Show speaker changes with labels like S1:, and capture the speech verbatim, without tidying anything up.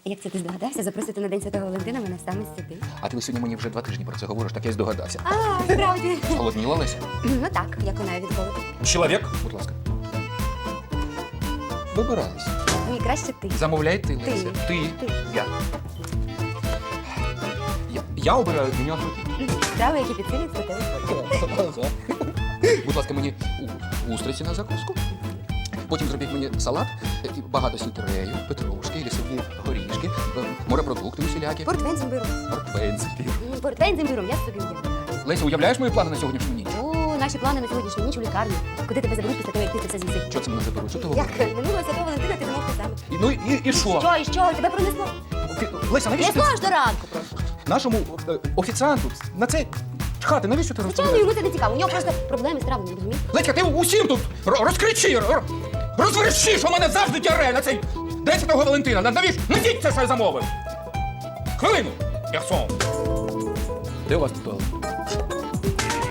S1: Як це ти здогадався, запросити на День Святого Валентина мене саме сюди?
S2: А ти сьогодні мені вже два тижні про це говориш, так я й здогадався.
S1: А, справді.
S2: Голодніла, Леся?
S1: Ну так, як вона від голоду.
S2: Чоловік, будь ласка. Вибирайся.
S1: Ні, краще ти.
S2: Замовляй ти,
S1: Ти.
S2: Леся. Ти.
S1: Ти.
S2: Я. Я. Я обираю меню.
S1: Страви, які підсилюють статевий.
S2: Будь ласка, мені у- устриці на закуску. Потім зробіть мені салат, е, і багато сільтерею, петрушки, лісові горішки, е, морепродукти усілякі.
S1: Портвейн з імбиром.
S2: Портвейн, зефір.
S1: М, Портвейн з імбиром, я собі уявляю.
S2: Леся, уявляєш мої плани на сьогоднішню ніч?
S1: О, наші плани на сьогоднішню ніч у лікарні. Куди тебе заберуть після того, як ти це все з'їси?
S2: Що це мене заберуть? Що ти
S1: Як
S2: говориш?
S1: минулого Святого Валентина ти замовив те саме.
S2: І, ну і, і що?
S1: Що, і що? Тебе пронесло?
S2: Офі- Леся, навіщо ти
S1: Несло аж до ранку просто.
S2: нашому е, офіціанту на це чхати? Навіщо ти
S1: Звичайно,
S2: розповідаєш?
S1: йому це не цікаво. У нього просто проблеми з травленням, розумієш?
S2: Леська, ти усім тут ро- розкричи, ро- розверши, що в мене завжди тяре на цей День Святого Валентина. На- Навіщо? Несіть це, що я замовив. Хвилину. Персон. Де у вас тут туалет?